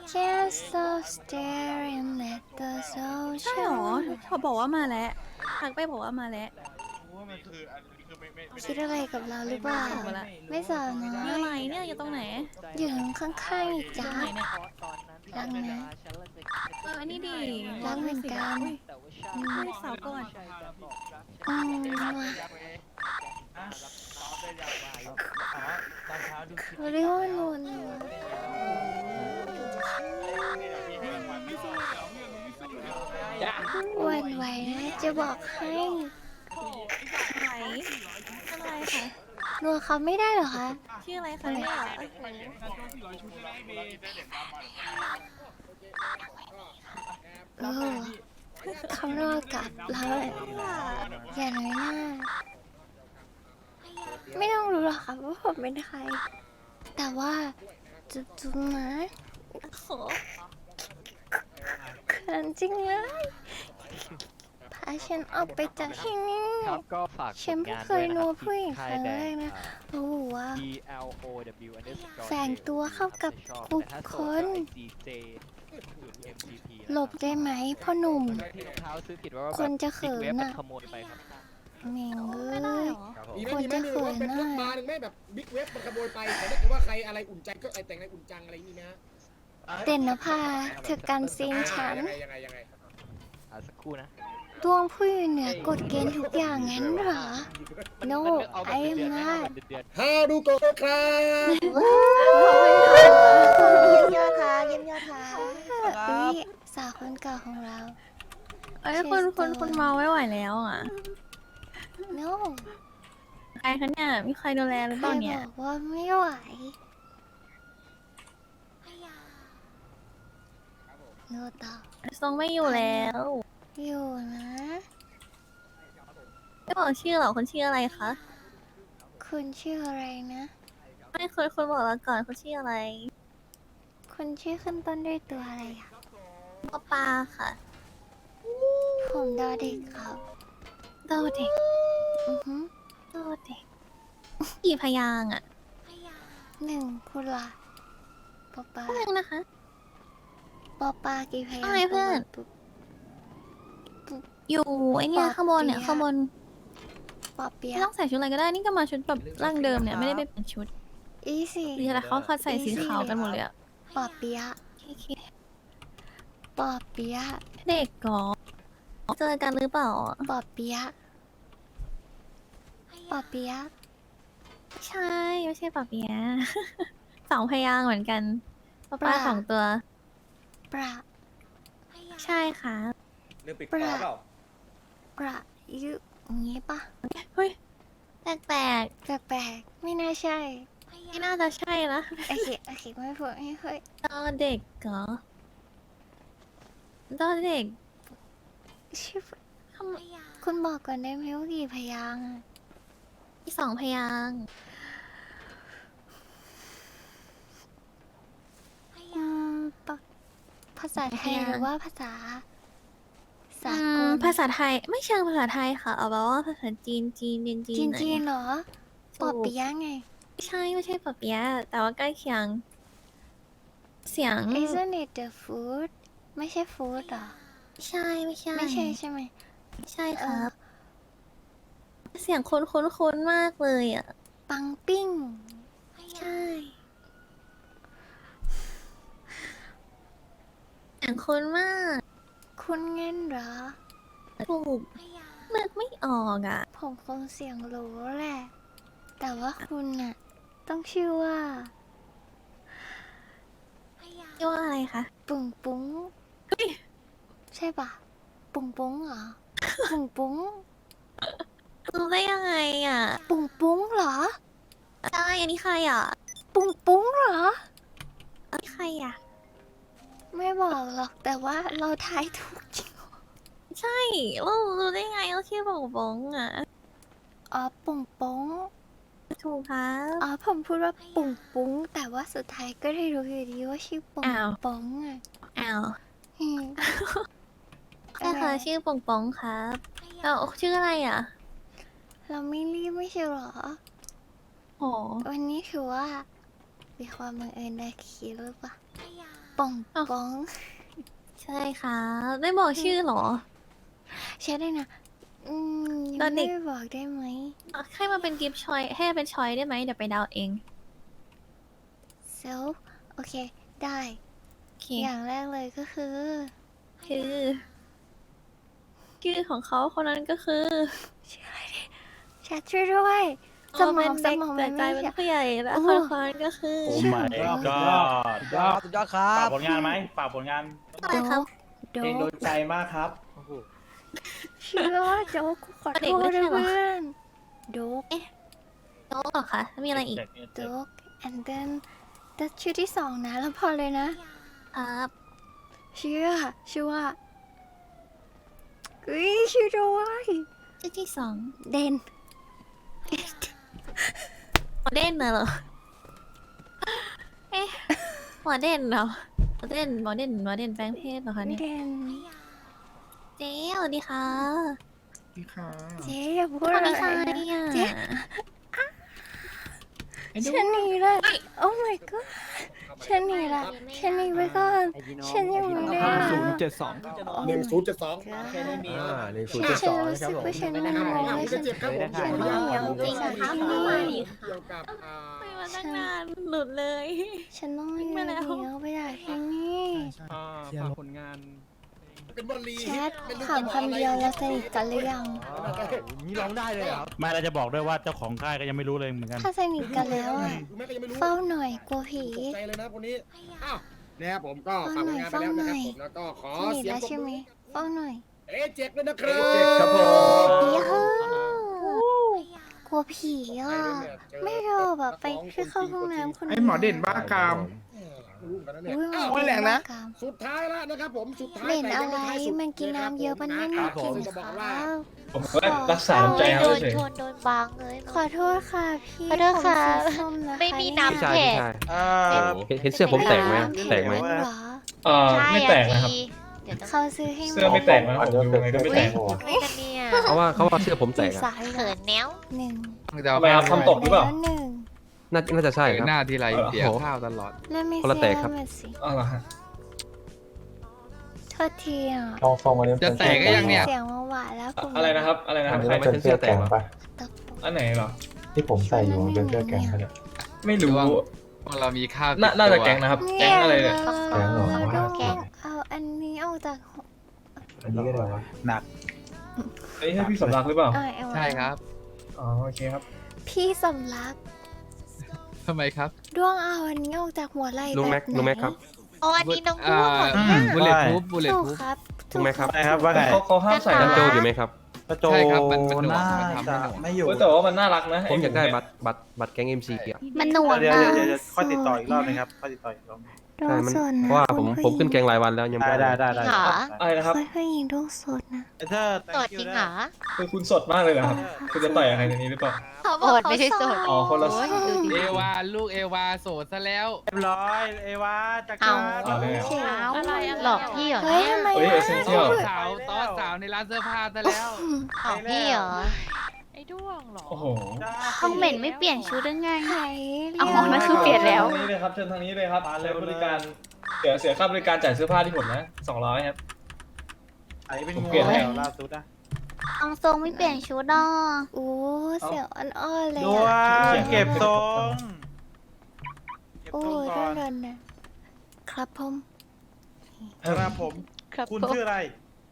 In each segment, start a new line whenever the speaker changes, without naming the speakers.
Can't stop staring at the
ใช่หรอ
ocean
เขาบอกว่ามาแล้วทักไปบอกว่ามาแล้ว
ว่ามันคืออันนี้คือไม่
คิดอะไรกับเราหรือเปล่า
ไม่
ไม่สาวน้อ
อยู่
ย
ไหนเนี่ยอยู่ตรงไหน
อยู่ข้างๆอีกจ้า
ไหนเนี่ย
รักนะ
อันนี้ดิ
รักเหมือนกัน
ไม่สาวก่อน
อืม
ตอนเช้าดู
เขาเรียกว่านูนหวันไหวนะจะบอกให้
ไหนอะไรคะ
นัวเขาไม่ได้เหรอคะ
ชื่ออะไรคะเนี่ย
เออเขารอกับเราแหละอย่าน้อยหน้า ไม่ต้องรู้หรอกค่ะว่าผมเป็นใคร แต่ว่าจุ๊บๆนะ
โห
เขินจริงเลยพาฉันออกไปจากที่นี่
ครับก็ฝาก
ฉันเพิ่งเคยนัวผู้หญิงครั้งแรกนะโอ้โหว่า
BLOW underscore
แฝงตัวเข้ากับบุคคล
DJ MGP
หลบได้ไหมพ่อหนุ่ม
ที่รองเท้าซื้อผิดว่า
คนจะเขิน
เว็บมัน
น่ะ
ขโมยไปครับ
แม่งเอ้
ไม่ได้
ย
เหรอ
ครับผม
มีไหม
คน
มีไหม
จะ
มี
เขิ
ว่าน เป็นรถ
น่ะ
มาหนึ่งไหมแบบบิ๊กเว็บมันขโมยไปแต่ถ้าเกิดว่าใครอะไรอุ่นใจก็ไอแต่งอะไรอุ่นจังอะไรนี่นะ
เด่นนภาเธอกันซีนฉัน
ยังไง
สักครู่นะ
ดวงผู้อยู่เหนือกฎเกณฑ์ทุกอย่างงั้นเหรอ no
เอาแบบ
I
เดือ
am
นๆนะ
not
เดือน
ฮาดูโกะครับ
เยี่ยมยอดค่ะเยี่ยมยอดค่ะนี่สาวคนเก่าของเรา
เอ้ยคุณเมาไม่ไหวแล้วอ่ะ
no
ใครคะเนี่ย มีใครดูแลหรือ
ใค
เป
ร
ล่า
บ
เนี่ย
อกว่าไม่ไหวโนตอบ
ทรงไม่อยู่แล้ว
อยู่นะ
ไม่บอกชื่อหรอคนชื่ออะไรคะ
คุณชื่ออะไรนะ
ไม่คุณบอกเราก่อนเขาชื่ออะไร
คุณชื่อขึ้นต้นด้วยตัวอะไรอ่ะ
ปอปลาค่ะ
ผมดอเด็กครับ
โดเด็ก
อือฮึ
โดเด็กกี่พยางค์อ่ะ
หนึ่งคุณล่ะปอปา
หนึ่งนะคะ
ปอปากี่พยาง
อะไรเพื่อน
ปุ๊บ
อยู่ไอเนี่ยข้างบนเนี่ยข้างบน
ปอเปีย
ไม่ต้องใส่ชุดอะไรก็ได้ นี่ก็มาชุดแบบร่างเดิมเนี่ยไม่ได้ไปเปลี่ยนชุด
อีสี่
ดีแต่เขาใส่สีขาวกันหมดเลยอะ
ปอเปียะ
โอเค
ปอเปียะ
เด็กก่อเจอกันหรือเปล่า
ปอเปียะปอเปียะ
ใช่ไม่ใช่ปะเปียะ สองพยางค์เหมือนกันปลาสองตัว
ประ
ใช่ค่ะ
เรื่องปิดปากเปล่า
ประยุอย่างงี้ปะ
เฮ้ยแปลก
แปลกๆไม่น่าใช่
ๆไม่น่าจะใช่นะ
โอเคไม่พูดไม่ค่อย
ตอนเด็กเหรอตอนเด็ก
ชื่อ
ทำ
คุณบอกก่อนได้ไหมว่ากี่พยางค์อะ
มีสองพยางค์
อืมปะภาษาไทยหรือว่าภาษาสา
อื
ก
ม
ล
ภาษาไทยไม่เชิงภาษาไทยค่ะ เอาแบบว่าภาษาจีนเรียนจีนหน่อย
จีนๆเหรอ
ถูก
ปอเปียะไง
ไม่ใช่ปะเปียะแต่ว่าใกล้เคียง เสียง
Isn't it the food ไม่ใช่ food หรอ
ไม่ใช่
ไม่ใช่ใช่ไหม
ไม่ใช่ครับ เสียงคุ้นมากเลยอ่ะ
ปังปิ้ง
ใช่เสียงคุ้นมาก
คุณเงินเหรอ
ถูกนึกไม่ออกอ่ะ
ผมคงเสียงรู้แหละ แต่ว่าคุณน่ะ ต้องชื่อว่า
เรียกว่าอะไรคะ
ปุ้งปุ้งใช่ปะปุ้งปุ้งเหรอ ปุ้งปุ้ง
รู้ได้ยังไงอ่ะ
ปุ้งปุ้งเหรอ
ใช่อันนี้ใครอ่ะ
ปุ้งปุ้งเหรอ
อันนี้ใครอ่ะ
ไม่บอกหรอกแต่ว่าเราทายถูกจริง
ใช่เรารู้ได้ไงเราชื่อบอกบงอ่ะ
อ๋อปุ้งปุ้ง
ถูกครับ
อ๋อผมพูดว่าปุ้งปุ้งแต่ว่าสุดท้ายก็ได้รู้อยู่ดีว่าชื่อปุ้ง
อ้าว
ปุ้งอ่ะ
อ้าว
อืม
ใช่ค่ะชื่อปงปองครับแล้วชื่ออะไรอ่ะ
เราไม่รีบไม่ใช่เหรอ
โห
วันนี้ถือว่ามีความบังเอิญได้คิดหรือเปล่าปป่อง
อ้าว
ป้อง
ใช่ค่ะได้บอกชื่อเหรอ
ใช่ได้นะ
ตอนเด็ก
ไม่บอกได้ไหม
ให้มาเป็นกิฟต์ชอยให้เป็นชอยได้ไหมเดี๋ยวไปเดาเอง
เซลโอเค ได้
โอเค
อย่างแรกเลยก็คือ
คือชื่อของเขาคนนั้นก็คือ
แชทช่วยด้วยสม
เป็
อง
น
ส
เด็ก
มอง
แต่
มัน
ใจ
ไม่
เป็น
ใช่
ผู้ใหญ่และ
โอ้
คนนั้นก็คือ
โอ้ my god
สุดยอดครั
ฝาก
บ
ผลงานไหมฝากผลงาน
อะไรครับ
โด
เพลงโด
ก
นใจมากครับ
เชื่อว่าโดกขอโทษด้วยเพื่อนโดก
โต๊ะเหรอคะมีอะไรอีก
โดก and then แต่ชื่อที่สองนะแล้วพอเลยนะครับ ชื่อว่าชื่อด้วย
ชื่อที่สอง
เดน
หมอเด่นน่ะเหรอเอ๊ะหมอเด่นเหรอหมอเด่นแปลงเพศเหรอคะเนี่ย
เดน
เจ๊สวัสดีค่ะ
เจ๊อย่าพูด
สวั
อะ
ส
ไร
ดีค่ะ
นะ
เนี่ย
เจ๊ ฉันหนีเลยโอ้ my god ฉันหนีละฉันหนีไปก่อนฉันยังไม่ได้
1072
แค่นี้
มี
ฉันรู้สึกว่าฉันหนาว
จะเจ็บครับผม
ฉันไม่อยากไปจากที่นี่
เกี่ยวกับ
ไปมาตั้งนานหลุดเลย
ฉันต้องเลี้ยวไปจากที่นี่
ฝากผลงาน
เป็นบอลลี
แชทถามคำเดียวแล้วสนิทกันหรือยัง
นี่ร้องได้เลยเหรอครับ
ไม่เราจะบอกด้วยว่าเจ้าของค่ายก็ยังไม่รู้เลยเหมือนกัน
ถ้าสนิทกันแล้วอะ
แม่ก็ยังไม่รู้
เฝ้าหน่อยกลัวผี
ตกใจเลยนะคนนี้อ้าวนะครับผมก็ฝากผลงานไปแล้วนะครับผมแล้วก็ขอ
สนิท
เสียง
แล้ว
ปรบ
ใช่ไหม
มือ
เฝ้าหน่อย
เจ็กด้วยนะครับ
ครับผม
ยาฮูกลัวผีอ่ะไม่รอแบบไปคือเข้าห้องน้ำคน
ไอ้หมอเด่นบ้ากาม
รู้กันนะเนี่ย
อุ้ย
อ้าว
โอ้ยแรงนะ
สุดท้ายแล้วนะครับผมสุดท้าย
เด่น
แต่
อะ
ยัง
ไร
ไม่ท้ายสุด
มันกินน้ำเยอะปะเนี่ย
ครับผ
กิ
ม
น
จะบอก
ข้า
ว่า
ว
ผมก็รักษาน้ำใจเขาเฉย
โดนบางเลย
ขอโทษค่ะพี่
ขอโทษค่ะ
ผมสีส้มนะคะ
ไม่มีน้ำ
เ
แข็ง
เห็นเสื้อผมแตกไหมแตกไหม
เหรอ
ใช่
ไม่แตกนะครับ
เดี๋ยวต้อง
เขาซื้อให้
เสื้อไม่แตกนะผมดูยังไงก็ไม่แตก
ไม่กันเนี่ย
เขาว่าเสื้อผมแตก
กี่
อะ
สาย
เขินแนว
หนึ่ง
ทำไมครับทำตกหรือเปล่า
แล้วหนึ่ง
น่าจะใช่ครับ
หน้าทีไรเสีย
โอ้โห
ข้าวตลอด
แล้วไม่
คนละแตกครับ
เสื้อมาสิ
อ๋อเหรอฮะ
โทษทีอ่ะ
จะแตกก็ยังเนี่ย
เสียงหวานๆแล้วผม
อะไรนะครับอะไรนะครับ
ใครมาเซ็นเสื้อแตกเหรอ
ตะโกน
อันไหนเหรอ
ที่ผมใส่อยู่เป็นเสื้อแกงเนี่ย
ไม่รู้
พวกเรามีข้าว
น่าจะแก๊งนะครับ แก๊งอะไรเนี่ย
แกงเอาอันนี้ออกจาก
หนัก
เอ้ยให้พี่สำรักหรือเปล่า
เอา
ใช่ครับ
อ๋อโอเคครับ
พี่สำลัก
ทำไมครับ
ด้วงเอาอันนี้ออกจากหัวไหล่
ลุงแม็ก
แบบไหน
ลุงแม็กครับ
อ๋ออันนี้น้องด้วงเหรอ
บุลเลตพูฟบุลเลต
ถูก
พูฟ
ครับ
ลุงแม็กครับ
ใช่ครับว่าไง
เขาห้ามใส่
จั
นะ
นโจอยู่ไหมครับ
กระโจ
ใช่ครับมันหน่วง
น่า
มันทำให้
จะ
หน่วง
ไม่อยู่
เว้ยแต่ว่ามันน่ารักนะ
ผมอยากได้บัตรแก๊ง MC อ่ะ
มันหน่วง
เดี๋ยว
นะ
เดี๋ยวค่อยติดต่ออีกรอบนึงครับค่อยติดต่ออีกรอบนึง
ด้ว
ใช่
ง
มัน
สดนะ
เพราะว่าผม
คุณ
ผมขึ้นแก
ผู้หญิ
งรายวันแล้วยังไม่
ได้
ได้
ได้
จริงเหรอ
อะไรนะครับ
ผู้หญิงด้วงสดนะ
เธอ
สดจริงเหรอ
คือคุณสดมากเลยเหรอครับคุณจะต่อยกับใครในนี้หรือเปล่า
เขาบอกเขาไม่ใช่สด
อ๋อคนละ
โยดูดิ
เอวาลูกเอวาโสดซะแล้ว
เรียบร้อยเอวาจักร
เอา
เอาเลย
เขียว
หลอกพี่เหรอ
เฮ้ย
เนี่ย
ทำไม
เฮ้ย
อะ
Essential
สาวต้อสาวในร้านเสื้อผ้าซะแล้ว
หลอกพี่เหรอ
ไอ้ด้วงเหรอ
โอ้โห
ห้องเหม็นไม่เปลี่ยนชุดได้ไง
ไข่
เอาของนั่นคือเปลี่ยนแล้ว
ทางนี้เลยครับเชิญทางนี้เลยครับใช้บริการเสียค่าบริการจ่ายเสื้อผ้าที่ผมนะ200ครับ
ไอ้เป็น
ผม
งู
เปลี่ยนให้
ล่าสุดนะ
เอาทรงไม่เปลี่ยนชุดอ่ะ
โอ้เสียวอ่อนๆเลย
ด้ว
อะ
งเก็บทรงเก็บ
โอ้
ทรงก่อน
เดินนะครับผม
ครับผม
ครับ
คุณชื่ออะไร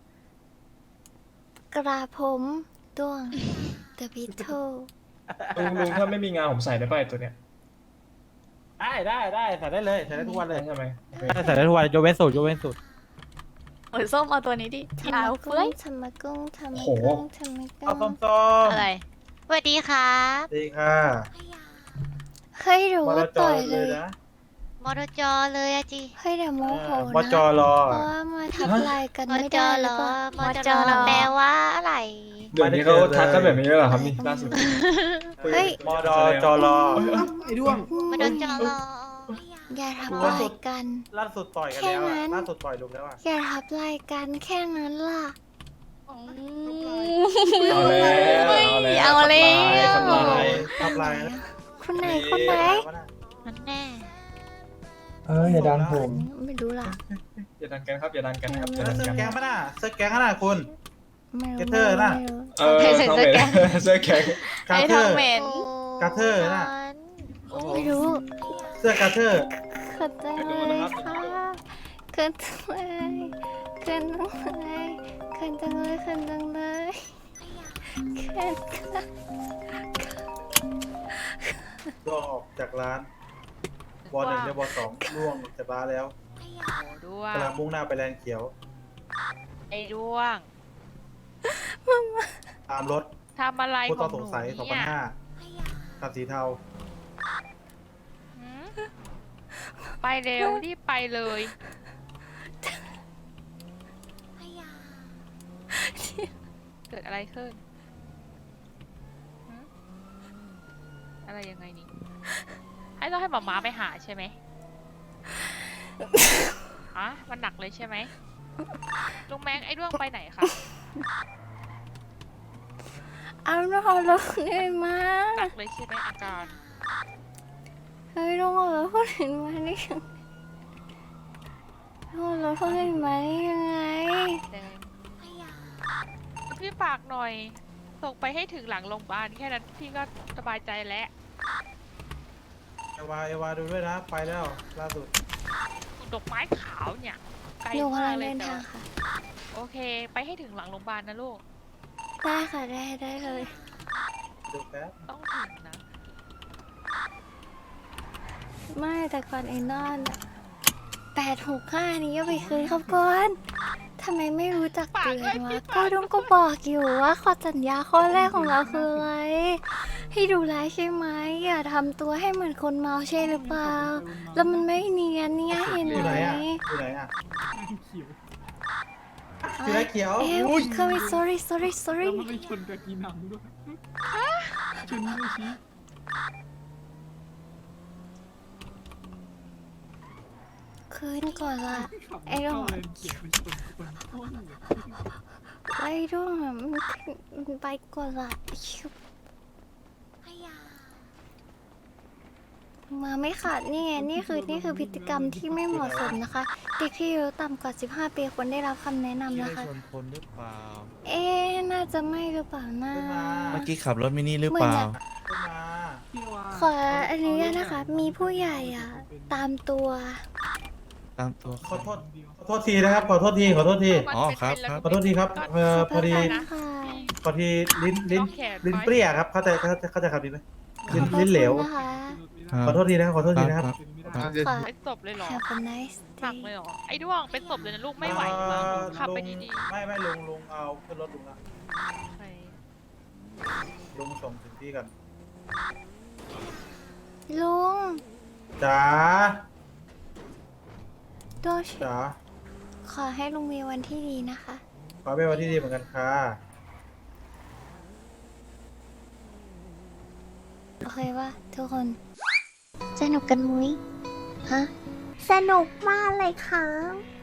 กระผมด้วง The Beetle
ลุงถ้าไม่มีงานผมใส่ได้ป่ะไอ้ตัวเนี้ย
ได้ใส่ได้เลยใส่ได้ทุกวันเลย
ใช่ไหม
ใส่ได้ทุกวันยกเว้นสูตรยกเว้นสูตร
โอ้ยส้มเอาตัวนี้ดิ
ธรร
ขาม ว
กุ้
เฟ้ย
งธรรมกุ้งธรรมกุ้งธรรม
เอา
กุ้ง
ส้ม
อะไร
สวัสดีครับ
ๆดีค่ะ
เฮ้ยรู้
มา
ว่า
จ
ต่
อ
อยเล
เลย
ย
นะ
มอจอเลยอะจี
เฮ้ยเดี๋ยวโมโห
มอ
นะ
จอรอ
เพราะว่ามาทับลายกัน
มอ
ไม่
จ
ได้
อ
ห
เหร
รือ
อ
เปล่าม
อจอแปลว่าอะไร
เดี๋ยวนี้เขาทักกันแบบนี้แล้วเหรอครับนี่ล่าสุด
เฮ้ย
มอดอจอรอ
ไอ้ด้วง
มอจอเหรอ
อย่าทับลายกัน
ล่าสุดต่อยกันแล้ว
แค่นั้
อะ
น
ล่าสุดต่อยลุงแล้วอะ
อย่าทับลายกันแค่นั้นล่ะ
เอาแล้ว
เอาแล้ว
ทำลาย
ทำลายนะ
คุณไหนคุณไหน
นั่นแน่
อย่าดันผม
ไม่รู้ล่ะ
อย่าดันกันครับอย่าดันกันนะครับอย่าดัน
เสื้อ
กัน
แก๊งปะน่ะเสื้อแก๊งน่ะคุณ
ไม่
เก
รู้
เตอร์น่ะ
ไม่รู้
เขาเป็นเสื้อแข็ง
กา
ไอ้
เท
ท
อ
อง
ร์
เหม็น
กาเทอร์น่ะ
ไม่รู้
เสื้อกาเทอร์
เขินจังเลยค่ะเขินจังเลยเขินจังเลยเขินจังเลยเขินจังเลยเขินค่ะ
ล่วงออกจากร้านบอลหนึ่งและบอลสองล่วงออกจากร้านแล้ว
ด้วง
กำลังมุ่งหน้าไปแลนด์เขียว
ไอ้ด้วง
ตามรถ
ทำอะไร
ผู้
ข
ต้
อ
อง ง
ห
ส
นู
งสัย
เนี่ย
2005คันสีเทา
หืมไปเร็วรีบไปเลย เกิดอะไรขึ้นหืมอะไรยังไงนี่ให้ต้องให้หมอม้าไปหาใช่ไหมฮะมันหนักเลยใช่ไหมลุงแมงไอ้ด้วงไปไหนคะ
เอาน้องเราได้มา
หนักเลยใช่ไหมอาการ
เฮ้ยน้องเราพูดถึงมาได้ยังน้องเราพูดถึงมาได้ยังไง
แดงพี่ฝากหน่อย ส่งไปให้ถึงหลังโรงพยาบาลแค่นั้นพี่ก็สบายใจแล้ว
เอวาดูด้วยนะ ไปแล้วล่าสุด
ดอกไม้ขาวเนี่ยไกล
หนู
มาก
ำลัง
เล
เดิ
ย
น
แต่
ทาง
ว่า
ค่ะ
โอเค ไปให้ถึงหลังโรงพยาบาลนะลูก
ได้ค่ะได้เลย
ดูแป๊บ
ต้องถึงนะ
ไม่แต่ก่อนไอ้นอน865นี้ก็ไปคืนเขาก่อนทำไมไม่รู้จักเตือนวะก็ต้องก็บอกอยู่ว่าข้อสัญญาข้อแรกของเราคืออะไรให้ดูแลใช่ไหมอย่าทำตัวให้เหมือนคนเมาใช่หรือเปล่า แล้วมันไม่เนียนเนี่ยเห็น
อยู่
ไห
ไห
ม
นอ่ะอยู่ไหนอ่ะอยู่ไหนเขียว
เอ้ยคือ sorry
มันไปชนกับกีนังด้วยชนด้วยชี้
คืนก่อนละไอ้ดง
เกี่ยวไปชนคนต้น
ไอ้ดงอะมันไปก่อนละชิบมาไม่ขาดนี่ไงนี่คือพฤติกรรมที่ไม่เหมาะสมนะคะ เด็กที่อายุต่ำกว่า15 ปีควรได้รับคำแนะนำนะคะ
ชนคนหรือเปล่า
เอ๊ะน่าจะไม่หรือเปล่านะ
ขึ้นมา
เมื่อกี้ขับรถมินิหรือเปล่า
ขึ้นมา
ขออนุญาตนะคะ มีผู้ใหญ่อ่ะ ตามตัว
ตามตัว
ขอโทษทีนะครับ ขอโทษที
อ๋อ
มันเป็น
ครับ
เป็น
ขอโทษทีครับ พอดี
นะคะ
พอดีลิ้น
ต้องแขน
ลิ้น
ไว้
เปรี้ยครับ เข้าใจครับดีไหมลิ้นเหลว
นะคะ
ขอโทษทีนะครับ ขอโทษทีนะครับ
ขอ
เป็นศพเลยเหรอ
Have a nice
หนัก
day
เลยเหรอ ไอ้ด้วงเป็นศพเลยนะลูกไม่ไหวมั้งขับไปดี
ไม่ลุงเอาขึ้นรถลุงละ
ๆไป
ลุงส่งถึงที่กัน
ลุง
จ๋า
โดช
จ๋า
ขอให้ลุงมีวันที่ดีนะคะ
ขอเป็นวันที่ดีเหมือนกันค่ะ
โอเคป่ะทุกคน สนุกกันมุ้ยฮะ สนุกมากเลยค่ะ